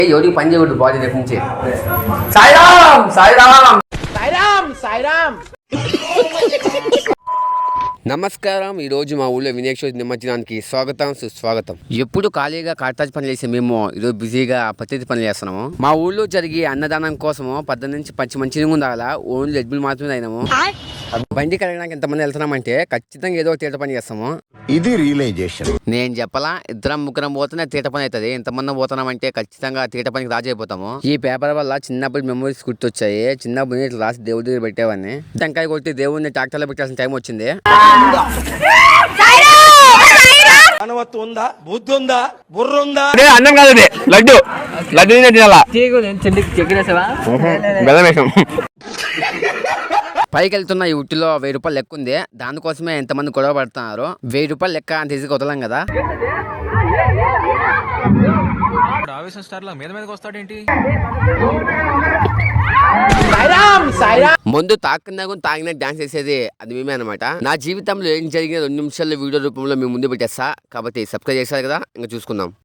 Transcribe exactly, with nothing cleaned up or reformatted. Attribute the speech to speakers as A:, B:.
A: ఎవరికి పని చేయకూడదు బాడీ రేపు నుంచి. సాయిరామ్ సాయిరామ్
B: సాయిరామ్ సాయిరామ్.
A: నమస్కారం. ఈరోజు మా ఊళ్ళో వినాయక చవితి నిమజ్జనానికి స్వాగతం సుస్వాగతం. ఎప్పుడు ఖాళీగా కాటాజ్ పని చేసే మేము ఈరోజు బిజీగా పత్తి పని చేస్తున్నాము. మా ఊళ్ళో జరిగే అన్నదానం కోసము పద్దెనిమిది నుంచి పచ్చి మంచి ఉండాలా ఓన్లీ ఎడ్బుల్ మాత్రమే అయినాము. బండి కడగడానికి ఎంతమంది వెళ్తున్నామంటే ఖచ్చితంగా ఏదో తీట పని చేస్తాము.
C: ఇది రియలైజేషన్.
A: నేను చెప్పలా, ఇద్దరం ముగ్గురం పోతేనే తీట పని అవుతుంది. ఎంతమంది పోతున్నామంటే ఖచ్చితంగా తీట పనికి రాజైపోతాము. ఈ పేపర్ వల్ల చిన్నప్పుడు మెమరీస్ గుర్తొచ్చాయి. చిన్నప్పుడు ఇట్లా రాసి దేవుడి దగ్గర పెట్టేవాడిని. టెంకాయ కొట్టి దేవుడిని ట్రాక్టర్లో పెట్టాల్సిన టైం వచ్చింది.
B: ఉందా బుద్ధి ఉందా బుర్ర ఉందా?
A: అన్నం కాదు లడ్డు లడ్డు తినాలా. పైకి వెళ్తున్న ఈ ఉట్టిలో వెయ్యి రూపాయలు లెక్క ఉంది. దానికోసమే ఎంతమంది గొడవ పడుతున్నారు. వెయ్యి రూపాయలు లెక్క అంత ఈజీగా వదలం కదా.
D: ఆవేశం స్టార్ లా మీద మీదకి వస్తాడేంటి?
A: ముందు తాకున్నా తాగిన డాన్స్ చేసేది అది మేమే అనమాట. నా జీవితంలో ఏం జరిగిన రెండు నిమిషాల వీడియో రూపంలో మేము ముందు పెట్టేస్తా. కాబట్టి సబ్స్క్రైబ్ చేశారు కదా, ఇంకా చూసుకుందాం.